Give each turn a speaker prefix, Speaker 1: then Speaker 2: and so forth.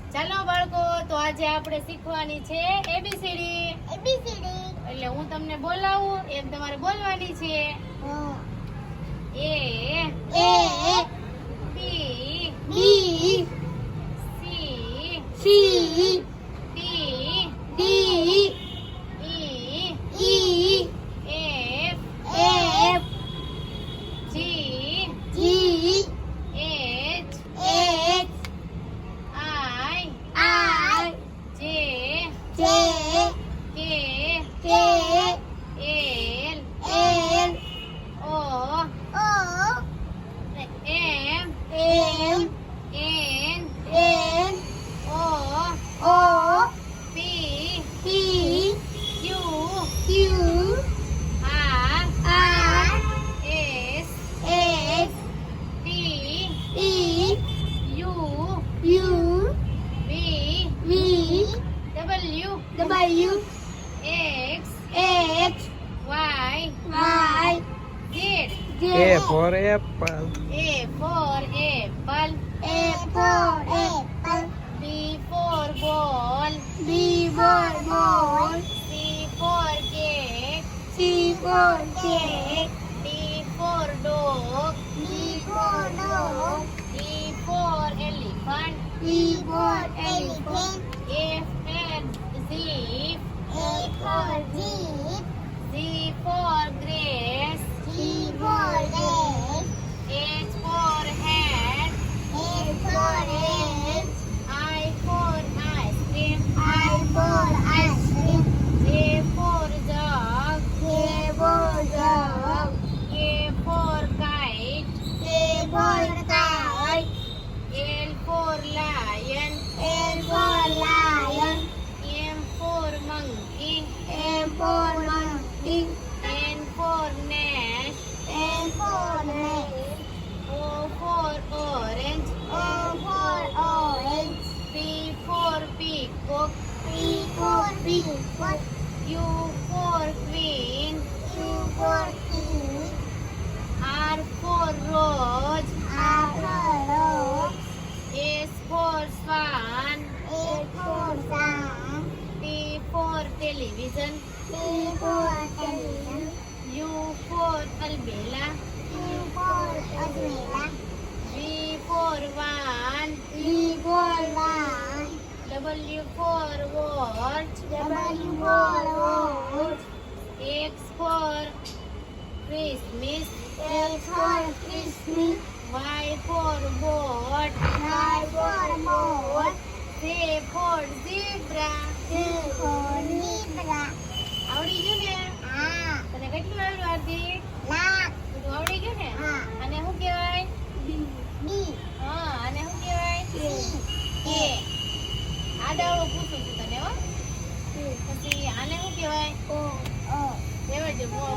Speaker 1: ચાલો બાળકો, તો આજે આપણે શીખવાની છે એબીસીડી. એટલે હું તમને બોલાવું એમ તમારે બોલવાની છે. A B C D E F G H I J K L O M N O P Q R S T U V W X Y Z.
Speaker 2: A for apple.
Speaker 1: A for apple. B for ball. C for cake. D for dog. E for elephant. F and zip. G for grass. H for hat. I for ice cream. J for jug. K for kite. L for lion. M for monkey. N for nest. O for orange. P for peacock. Q for queen. R for rose. S for swan. T for television. U for umbrella. V for van. W for watch. X for Christmas. Y for boat. Z for zebra. આવડી ગયું ને? તને કેટલું આવડ્યું આરતી? બધું આવડી ગયું ને? આને શું કહેવાય? હા, આને શું કહેવાય? કે. આડાવડું પૂછું છું તને હો. પછી આને શું કહેવાય? કહેવાય છે.